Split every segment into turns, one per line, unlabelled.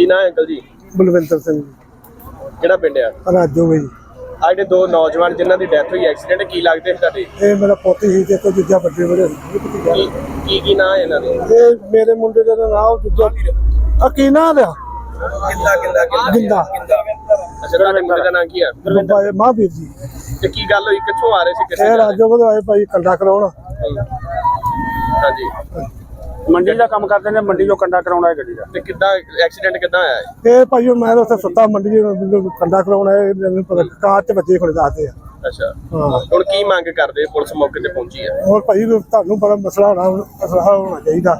ਨਾਂ ਹੈ ਅੰਕਲ ਜੀ?
ਬਲਵਿੰਦਰ ਸਿੰਘ
ਕਿਹੜਾ ਪਿੰਡ ਆ?
ਰਾਜੋ ਜੀ।
ਆ ਜਿਹੜੇ ਦੋ ਨੌਜਵਾਨ ਜਿਨ੍ਹਾਂ ਦੀ ਡੈਥ ਹੋਈ ਐਕਸੀਡੈਂਟ, ਕੀ ਲੱਗਦੇ ਸੀ ਤੁਹਾਡੇ?
ਇਹ ਮੇਰਾ ਪੋਤੀ ਸੀ ਤੇ ਕੋਈ ਦੂਜਾ ਵੱਡੇ ਬੜੇ
ਕੀ ਨਾਂ ਹੈ ਇਹਨਾਂ ਦੇ?
ਇਹ ਮੇਰੇ ਮੁੰਡੇ ਦਾ ਨਾਮ ਦੂਜਾ ਅਕੀਨਾ ਦਾ ਗਿੰਦਾ
ਅੱਛਾ, ਤੁਹਾਡੇ ਮੁੰਡੇ ਦਾ ਨਾਂ ਕੀ ਆ?
ਮਹਾਂਵੀਰ ਜੀ।
ਤੇ ਕੀ ਗੱਲ ਹੋਈ, ਕਿੱਥੋਂ ਆ ਰਹੇ ਸੀ, ਕਿੱਥੇ
ਇਹ
ਜਾ ਰਹੇ?
ਰਾਜੋ ਕੋਲ ਆਏ ਭਾਈ ਕੰਡਾ ਕਰਾਉਣ।
ਹਾਂਜੀ,
ਮੰਡੀ ਦਾ ਕੰਮ ਕਰਦੇ ਨੇ, ਮੰਡੀ ਚੋਂ ਕੰਡਾ ਕਰਾਉਣਾ ਹੈ ਗੱਡੀ ਦਾ।
ਤੇ ਕਿੱਦਾਂ ਐਕਸੀਡੈਂਟ ਕਿੱਦਾਂ ਹੋਇਆ ਹੈ?
ਇਹ ਭਾਈ ਮੈਂ ਤਾਂ ਉੱਥੇ ਸੁੱਤਾ ਮੰਡੀ ਚ ਕੰਡਾ ਕਰਾਉਣ ਆਏ, ਮੈਨੂੰ ਪਤਾ ਕਾਰ ਚ ਬੱਚੇ ਖੜੇ ਦੱਸਦੇ ਆ।
ਅੱਛਾ,
ਹਾਂ।
ਹੁਣ ਕੀ ਮੰਗ ਕਰਦੇ? ਪੁਲਿਸ ਮੌਕੇ ਤੇ ਪਹੁੰਚੀ ਹੈ।
ਹੋਰ ਭਾਈ ਤੁਹਾਨੂੰ ਬੜਾ ਮਸਲਾ ਹੋਣਾ ਚਾਹੀਦਾ।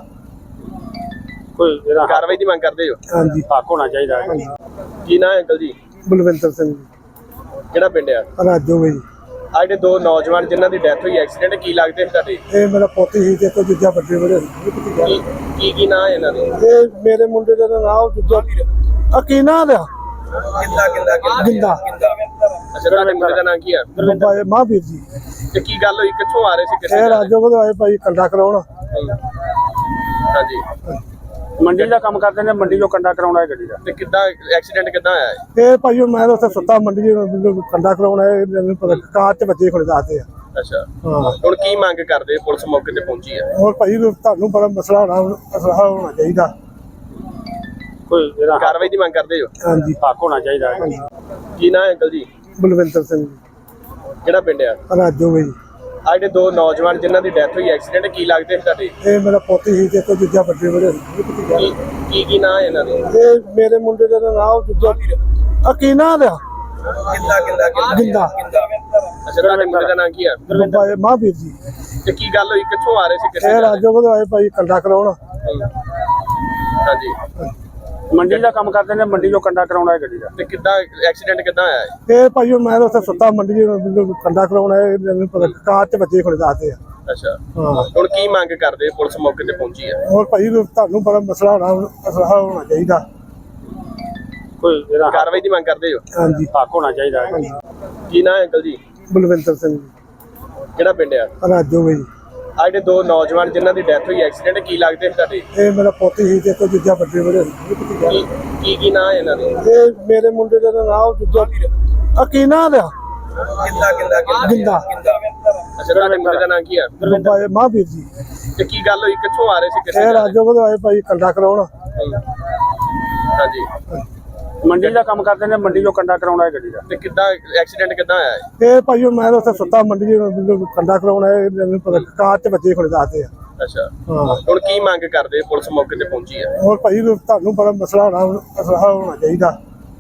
ਕੋਈ ਜਿਹੜਾ
ਕਾਰਵਾਈ ਦੀ ਮੰਗ ਕਰਦੇ ਹੋ?
ਹਾਂਜੀ,
ਹੱਕ ਹੋਣਾ ਚਾਹੀਦਾ ਹੈ।
ਕੀ ਨਾਂ ਹੈ ਅੰਕਲ ਜੀ?
ਬਲਵਿੰਦਰ ਸਿੰਘ
ਕਿਹੜਾ ਪਿੰਡ ਆ?
ਰਾਜੋ ਜੀ।
ਆ ਜਿਹੜੇ ਦੋ ਨੌਜਵਾਨ ਜਿਨ੍ਹਾਂ ਦੀ ਡੈਥ ਹੋਈ ਐਕਸੀਡੈਂਟ, ਕੀ ਲੱਗਦੇ ਸੀ ਤੁਹਾਡੇ?
ਇਹ ਮੇਰਾ ਪੋਤੀ ਸੀ ਤੇ ਕੋਈ ਦੂਜਾ ਵੱਡੇ ਬੜੇ
ਕੀ ਨਾਂ ਹੈ ਇਹਨਾਂ ਦੇ?
ਇਹ ਮੇਰੇ ਮੁੰਡੇ ਦਾ ਨਾਮ ਦੂਜਾ ਅਕੀਨਾ ਦਾ ਗਿੰਦਾ
ਅੱਛਾ, ਤੁਹਾਡੇ ਮੁੰਡੇ ਦਾ ਨਾਂ ਕੀ ਆ?
ਮਹਾਂਵੀਰ ਜੀ।
ਤੇ ਕੀ ਗੱਲ ਹੋਈ, ਕਿੱਥੋਂ ਆ ਰਹੇ ਸੀ, ਕਿੱਥੇ
ਇਹ
ਜਾ ਰਹੇ?
ਰਾਜੋ ਕੋਲ ਆਏ ਭਾਈ ਕੰਡਾ ਕਰਾਉਣ।
ਹਾਂਜੀ,
ਮੰਡੀ ਦਾ ਕੰਮ ਕਰਦੇ ਨੇ, ਮੰਡੀ ਚੋਂ ਕੰਡਾ ਕਰਾਉਣਾ ਹੈ ਗੱਡੀ ਦਾ।
ਤੇ ਕਿੱਦਾਂ ਐਕਸੀਡੈਂਟ ਕਿੱਦਾਂ ਹੋਇਆ ਹੈ?
ਇਹ ਭਾਈ ਮੈਂ ਤਾਂ ਉੱਥੇ ਸੁੱਤਾ ਮੰਡੀ ਚ ਕੰਡਾ ਕਰਾਉਣ ਆਏ, ਮੈਨੂੰ ਪਤਾ ਕਾਰ ਚ ਬੱਚੇ ਖੜੇ ਦੱਸਦੇ ਆ।
ਅੱਛਾ,
ਹਾਂ।
ਹੁਣ ਕੀ ਮੰਗ ਕਰਦੇ? ਪੁਲਿਸ ਮੌਕੇ ਤੇ ਪਹੁੰਚੀ ਹੈ।
ਹੋਰ ਭਾਈ ਤੁਹਾਨੂੰ ਬੜਾ ਮਸਲਾ ਹੋਣਾ ਚਾਹੀਦਾ।
ਕੋਈ ਜਿਹੜਾ
ਕਾਰਵਾਈ ਦੀ ਮੰਗ ਕਰਦੇ ਹੋ?
ਹਾਂਜੀ,
ਹੱਕ ਹੋਣਾ ਚਾਹੀਦਾ ਹੈ।
ਕੀ ਨਾਂ ਹੈ ਅੰਕਲ ਜੀ?
ਬਲਵਿੰਦਰ ਸਿੰਘ
ਕਿਹੜਾ ਪਿੰਡ ਆ?
ਰਾਜੋ ਜੀ।
ਆ ਜਿਹੜੇ ਦੋ ਨੌਜਵਾਨ ਜਿਨ੍ਹਾਂ ਦੀ ਡੈਥ ਹੋਈ ਐਕਸੀਡੈਂਟ, ਕੀ ਲੱਗਦੇ ਸੀ ਤੁਹਾਡੇ?
ਇਹ ਮੇਰਾ ਪੋਤੀ ਸੀ ਤੇ ਕੋਈ ਦੂਜਾ ਵੱਡੇ ਬੜੇ
ਕੀ ਨਾਂ ਹੈ ਇਹਨਾਂ ਦੇ?
ਇਹ ਮੇਰੇ ਮੁੰਡੇ ਦਾ ਨਾਮ ਦੂਜਾ ਅਕੀਨਾ ਦਾ ਗਿੰਦਾ
ਅੱਛਾ, ਤੁਹਾਡੇ ਮੁੰਡੇ ਦਾ ਨਾਂ ਕੀ ਆ?
ਮਹਾਂਵੀਰ ਜੀ।
ਤੇ ਕੀ ਗੱਲ ਹੋਈ, ਕਿੱਥੋਂ ਆ ਰਹੇ ਸੀ, ਕਿੱਥੇ
ਇਹ
ਜਾ ਰਹੇ?
ਰਾਜੋ ਕੋਲ ਆਏ ਭਾਈ ਕੰਡਾ ਕਰਾਉਣ।
ਹਾਂਜੀ,
ਮੰਡੀ ਦਾ ਕੰਮ ਕਰਦੇ ਨੇ, ਮੰਡੀ ਚੋਂ ਕੰਡਾ ਕਰਾਉਣਾ ਹੈ ਗੱਡੀ ਦਾ।
ਤੇ ਕਿੱਦਾਂ ਐਕਸੀਡੈਂਟ ਕਿੱਦਾਂ ਹੋਇਆ ਹੈ?
ਇਹ ਭਾਈ ਮੈਂ ਤਾਂ ਉੱਥੇ ਸੁੱਤਾ ਮੰਡੀ ਚ ਕੰਡਾ ਕਰਾਉਣ ਆਏ, ਮੈਨੂੰ ਪਤਾ ਕਾਰ ਚ ਬੱਚੇ ਖੜੇ ਦੱਸਦੇ ਆ।
ਅੱਛਾ,
ਹਾਂ।
ਹੁਣ ਕੀ ਮੰਗ ਕਰਦੇ? ਪੁਲਿਸ ਮੌਕੇ ਤੇ ਪਹੁੰਚੀ ਹੈ।
ਹੋਰ ਭਾਈ ਤੁਹਾਨੂੰ ਬੜਾ ਮਸਲਾ ਹੋਣਾ ਚਾਹੀਦਾ।
ਕੋਈ ਜਿਹੜਾ
ਕਾਰਵਾਈ ਦੀ ਮੰਗ ਕਰਦੇ ਹੋ?
ਹਾਂਜੀ,
ਹੱਕ ਹੋਣਾ ਚਾਹੀਦਾ ਹੈ।
ਕੀ ਨਾਂ ਹੈ ਅੰਕਲ ਜੀ?
ਬਲਵਿੰਦਰ ਸਿੰਘ
ਕਿਹੜਾ ਪਿੰਡ ਆ?
ਰਾਜੋ ਜੀ।
ਆ ਜਿਹੜੇ ਦੋ ਨੌਜਵਾਨ ਜਿਨ੍ਹਾਂ ਦੀ ਡੈਥ ਹੋਈ ਐਕਸੀਡੈਂਟ, ਕੀ ਲੱਗਦੇ ਸੀ ਤੁਹਾਡੇ?
ਇਹ ਮੇਰਾ ਪੋਤੀ ਸੀ ਤੇ ਕੋਈ ਦੂਜਾ ਵੱਡੇ ਬੜੇ
ਕੀ ਨਾਂ ਹੈ ਇਹਨਾਂ ਦੇ?
ਇਹ ਮੇਰੇ ਮੁੰਡੇ ਦਾ ਨਾਮ ਦੂਜਾ ਅਕੀਨਾ ਦਾ ਗਿੰਦਾ
ਅੱਛਾ, ਤੁਹਾਡੇ ਮੁੰਡੇ ਦਾ ਨਾਂ ਕੀ ਆ?
ਮਹਾਂਵੀਰ ਜੀ।
ਤੇ ਕੀ ਗੱਲ ਹੋਈ, ਕਿੱਥੋਂ ਆ ਰਹੇ ਸੀ, ਕਿੱਥੇ
ਇਹ
ਜਾ ਰਹੇ?
ਰਾਜੋ ਕੋਲ ਆਏ ਭਾਈ ਕੰਡਾ ਕਰਾਉਣ।
ਹਾਂਜੀ,
ਮੰਡੀ ਦਾ ਕੰਮ ਕਰਦੇ ਨੇ, ਮੰਡੀ ਚੋਂ ਕੰਡਾ ਕਰਾਉਣਾ ਹੈ ਗੱਡੀ ਦਾ।
ਤੇ ਕਿੱਦਾਂ ਐਕਸੀਡੈਂਟ ਕਿੱਦਾਂ ਹੋਇਆ ਹੈ?
ਇਹ ਭਾਈ ਮੈਂ ਤਾਂ ਉੱਥੇ ਸੁੱਤਾ ਮੰਡੀ ਚ ਕੰਡਾ ਕਰਾਉਣ ਆਏ, ਮੈਨੂੰ ਪਤਾ ਕਾਰ ਚ ਬੱਚੇ ਖੜੇ ਦੱਸਦੇ ਆ।
ਅੱਛਾ,
ਹਾਂ।
ਹੁਣ ਕੀ ਮੰਗ ਕਰਦੇ? ਪੁਲਿਸ ਮੌਕੇ ਤੇ ਪਹੁੰਚੀ ਹੈ।
ਹੋਰ ਭਾਈ ਤੁਹਾਨੂੰ ਬੜਾ ਮਸਲਾ ਹੋਣਾ ਚਾਹੀਦਾ।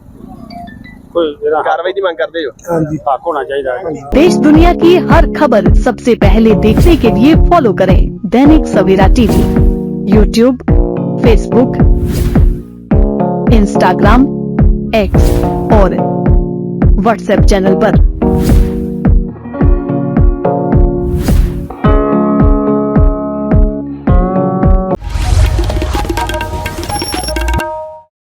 ਕੋਈ ਜਿਹੜਾ
ਕਾਰਵਾਈ ਦੀ ਮੰਗ ਕਰਦੇ ਹੋ?
ਹਾਂਜੀ,
हक होना चाहिए है।
देश दुनिया की हर खबर सबसे पहले देखने के लिए फॉलो करें Dainik Savera TV, YouTube, Facebook, Instagram, X और व्हाट्सएप चैनल पर।